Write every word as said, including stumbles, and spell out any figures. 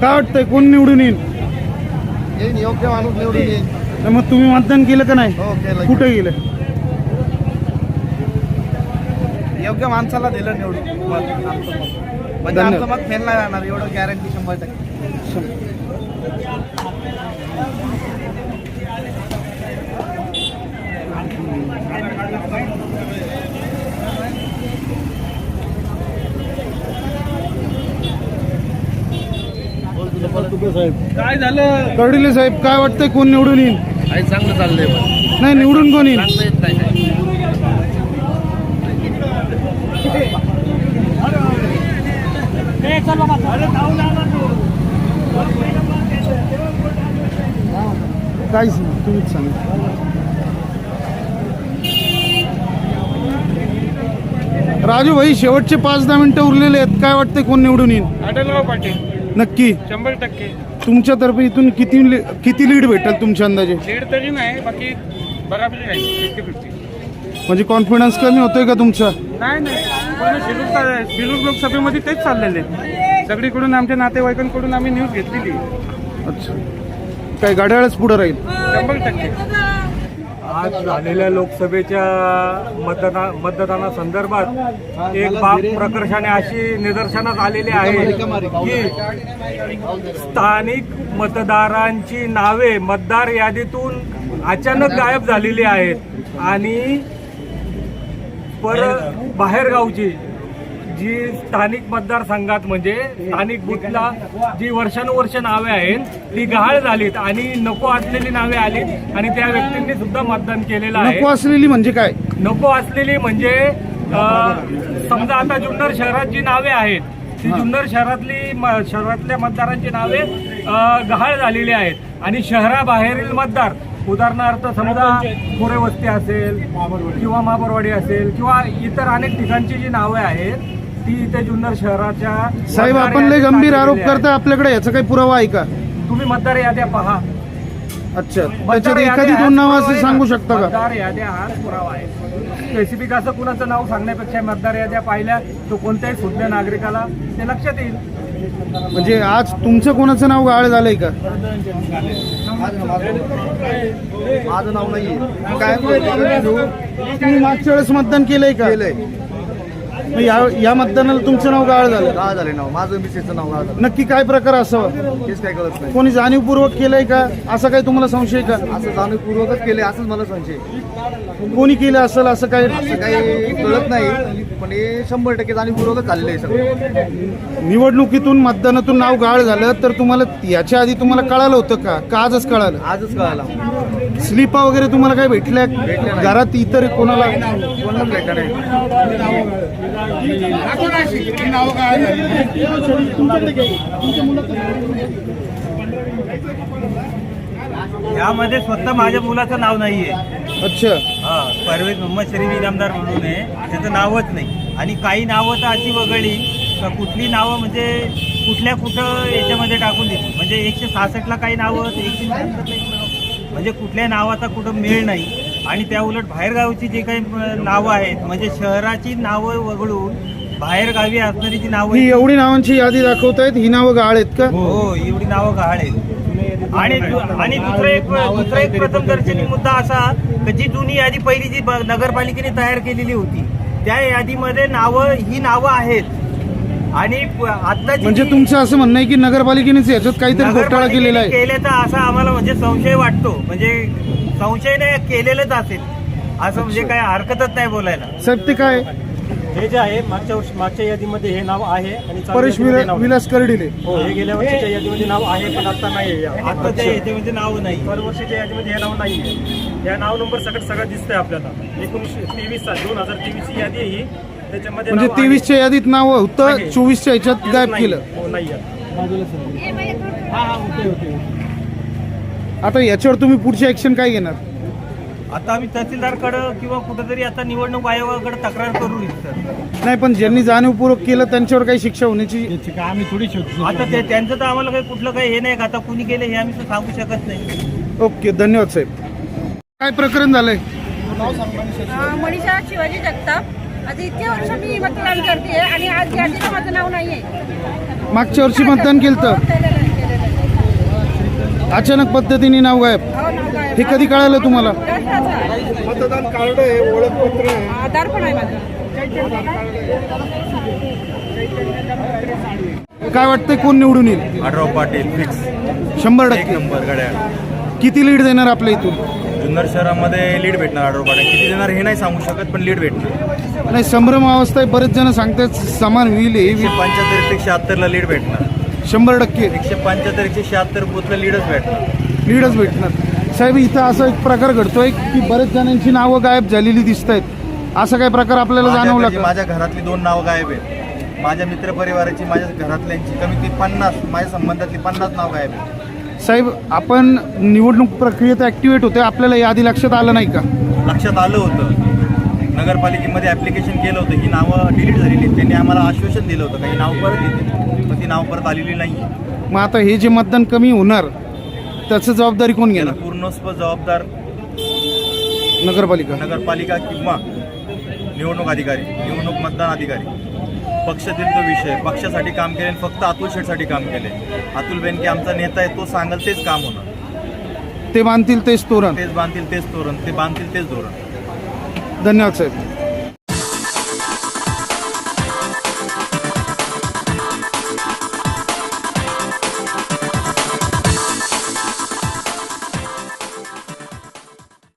काय वाटतंय कोण निवडून येईल? येईन, योग्य माणूस निवडून येईल. तर मग तुम्ही मतदान केलं का नाही? हो केलं. कुठे गेलं? योग्य माणसाला दिलं निवडून मत. आमचं मत. म्हणजे आमचं मत फेल नाही राहणार एवढं गॅरंटी शंभर टक्के. काय झालं कर्डिले साहेब? काय वाटतंय कोण निवडून येईल? काही चांगलं चाललंय पण नाही, निवडून कोण येईल? सांगता येत नाही काही. काहीच नाही, तुम्हीच सांगा. राजू भाई, शेवटचे पाच दहा मिनिटं उरलेले आहेत. काय वाटतंय कोण निवडून येईल? आढळराव पाटील नक्की शंभर टक्के. तुमच्यातर्फे इथून किती किती लीड भेटेल तुमच्या अंदाजे? लीड तरी नाही, बाकी बराबरी राहील फिफ्टी फिफ्टी. म्हणजे कॉन्फिडन्स कमी होतोय का तुमचा? नाही नाही, पूर्ण शिरूर शिरूर लोकसभेमध्ये तेच चाललेले आहेत. सगळीकडून आमच्या नातेवाईकांकडून आम्ही न्यूज घेतलेली. अच्छा, काय घड्याळच पुढे राहील? शंभर टक्के. आज झालेल्या लोकसभेच्या मतदाना मतदानासंदर्भात एक बाब प्रकर्षाने अशी निदर्शनास आलेली आहे की स्थानिक मतदारांची नावे मतदार यादीतून अचानक गायब झालेली आहेत आणि पर बाहेरगावची जी स्थानिक मतदारसंघात म्हणजे स्थानिक बूथला जी वर्षानुवर्ष नावे आहेत ती गहाळ झालीत आणि नको असलेली नावे आलीत आणि त्या व्यक्तींनी सुद्धा मतदान केलेलं आहे. नको असलेली म्हणजे काय? नको असलेली म्हणजे अ, समजा आता जुन्नर शहरात जी नावे आहेत ती जुन्नर शहरातली म- शहरातल्या मतदारांची नावे अ, गहाळ झालेली आहेत आणि शहराबाहेरील मतदार उदाहरणार्थ समजा कोरे वस्ती असेल किंवा महाबरवाडी असेल किंवा इतर अनेक ठिकाणची जी नावे आहेत ती इथे जुन्नर शहराच्या साहेब, आपण लय गंभीर आरोप करताय. आपल्याकडे याचा काही पुरावा आहे का? तुम्ही मतदार याद्या पहा. अच्छा, मतदार त्याच्यात याद्या एखादी हाच दोन नावं पुरावा असे आहे सांगू ना. शकता का? मतदार याद्या हाच पुरावा आहे. स्पेसिफिक असं कुणाचं नाव सांगण्यापेक्षा मतदार याद्या पाहिल्या तो कोणत्याही सुज्ञ नागरिकाला ते लक्षात येईल. म्हणजे आज तुमचं कोणाचं नाव गाळ झालंय का? माझं नाव नाहीये. काय तुम्ही मागच्या वेळेस मतदान केलंय का? केलंय. मग या या मतदानाला तुमचं नाव गाळ झालं. गाळ झाले नाव. माझं मिसेसचं नाव गाळ झालं. नक्की काय प्रकार असावा? हेच काय कळत नाही. कोणी जाणीवपूर्वक केलंय का? असा काही तुम्हाला संशय का? असं जाणीवपूर्वकच केले असंच मला संशय. कोणी केलं असेल असं काय? असं काही कळत नाही पण हे शंभर टक्के जाणीवपूर्वकच झालेलं आहे सगळं. निवडणुकीतून मतदानातून नाव गाळ झालं तर तुम्हाला याच्या आधी तुम्हाला कळालं होतं का? का आजच कळालं? आजच कळाला. स्लिपा वगैरे तुम्हाला काय भेटल्या? भेटल्या नाही. घरात इतर कोणाला? कोणालाच भेटलं नाही. यामध्ये स्वतः माझ्या मुलाचं नाव नाहीये. अच्छा, हा, परवेज मोहम्मद शरीफ इनामदार म्हणून आहे, त्याचं नावच नाही. आणि काही नावं तर अशी वगळली का कुठली नावं म्हणजे कुठल्या कुठं याच्यामध्ये टाकून दिली. म्हणजे एकशे सहासष्टला काही नावं एकशे शहात्तरला एक नाव, म्हणजे कुठल्या नावाचा कुठं मेळ नाही. आणि त्या उलट बाहेरगावची जे काही नावं आहेत म्हणजे शहराची नावं वगळून बाहेरगावी असणारी जी नावं ही आहेत, एवढी नावांची यादी दाखवतायत, ही नावं गाळ आहेत का? हो एवढी नावं गहाळ आहेत. आणि दु- आणि दुसरं एक दुसरा एक प्रथमदर्शनी मुद्दा असा की जी जुनी यादी पहिली जी ब- नगरपालिकेने तयार केलेली होती त्या यादीमध्ये नावं ही नावं आहेत. आणि प- आता म्हणजे तुमचं असं म्हणणं आहे की नगरपालिकेनेच याच्यात काहीतरी घोटाळा केलेला आहे? केल्याचा असा आम्हाला म्हणजे संशय वाटतो. म्हणजे संशय नाही, केलेलंच असेल असं म्हणजे काय हरकतच नाही बोलायला. साहेब, ते काय? हे जे आहे मागच्या वर्षी मागच्या यादीमध्ये हे नाव आहे आणि चालू परेश यादीमध्ये विला- नाव नाही. विलास कर्डिले. हो, हे गेल्या वर्षीच्या यादीमध्ये नाव आहे पण आता नाही आहे. आता त्या याच्यामध्ये नाव नाही. दरवर्षीच्या यादीमध्ये हे नाव नाही आहे. या नाव नंबर सगळं सगळं दिसतंय आपल्याला. एकोणीसशे तेवीस साल दोन हजार तेवीसची यादी आहे ही. त्याच्यामध्ये म्हणजे नाव आहे. तेवीसच्या यादीत नाव होतं, आहे. चोवीसच्या याच्यात गायब नाही. केलं. हो, नाही आहे. आता याच्यावर तुम्ही पुढची ऍक्शन काय घेणार? आता आम्ही तहसीलदारकडे किंवा कुठेतरी आता निवडणूक आयोगाकडे तक्रार करू इच्छितो. नाही, पण ज्यांनी जाणीवपूर्वक केलं त्यांच्यावर काही शिक्षा होण्याची? आता ते त्यांचं तर आम्हाला काही कुठलं काही हे नाही का आता कुणी केलं हे आम्ही तर सांगू शकत नाही. ओके, धन्यवाद साहेब. काय प्रकरण झालंय? अं, मनीषा शिवाजी जगताप. आता इतके वर्ष मी मतदान करते आणि आज यादीचं माझं नाव नाहीये. मागच्या वर्षी मतदान केलं? हो, केलेलं आहे. अचानक पद्धतीने नाव गायब. हो, नाव गायब. हे कधी कळालं तुम्हाला? प्रश्नाचं आहे. मतदान कार्ड आहे, ओळखपत्र आहे. आधार पण आहे माझं. काय वाटतंय कोण निवडून येईल? आढराव पाटील फिक्स शंभर एक टक्के. नंबर गाड्या. किती लीड देणार आपल्या इथून? जुन्नर शहरामध्ये लीड भेटणार आढराव पाटील. किती देणार हे नाही सांगू शकत, पण लीड भेटणार. नाही, संभ्रम अवस्था आहे. बरेच जण सांगतात समान होईल हे. एकशे पंच्याहत्तर एकशे शहात्तरला लीड भेटणार. शंभर टक्के एकशे पंच्याहत्तर एकशे शहात्तर बुथला लीडच भेटणार. लीडच भेटणार. साहेब, इथं असा एक प्रकार घडतोय की बरेच जणांची नावं गायब झालेली दिसत आहेत. असा काय प्रकार आपल्याला जाणवला माझ्याकडची- का? माझ्या घरातली दोन नावं गायब आहेत. माझ्या मित्रपरिवाराची, माझ्या घरातल्यांची कमीत कमी पन्नास, माझ्या संबंधातली पन्नास नाव गायब आहेत. साहेब, आपण निवडणूक प्रक्रियेत ऍक्टिव्हेट होते, आपल्याला याआधी लक्षात आलं नाही का? लक्षात आलं होतं. नगरपालिकेमध्ये ऍप्लिकेशन केलं होतं, ही नावं डिलीट झालेली आहेत. त्यांनी आम्हाला आश्वासन दिलं होतं काही नाव परत येतील, पण ती नाव परत आलेली नाही. मग आता हे जे मतदान कमी होणार त्याचं जबाबदारी कोण याला घेणार? पूर्णस्व जबाबदार नगरपालिका. नगरपालिका किंवा निवडणूक अधिकारी, निवडणूक मतदान अधिकारी. पक्षातील तो विषय, पक्षासाठी काम केले, फक्त अतुल शेठसाठी काम केले. अतुल बेनके आमचा नेता आहे, तो सांगेल तेच काम होणार. ते बांधतील तेच तोरण. तेच बांधतील तेच तोरण, ते बांधतील तेच धोरण. धन्यवाद साहेब.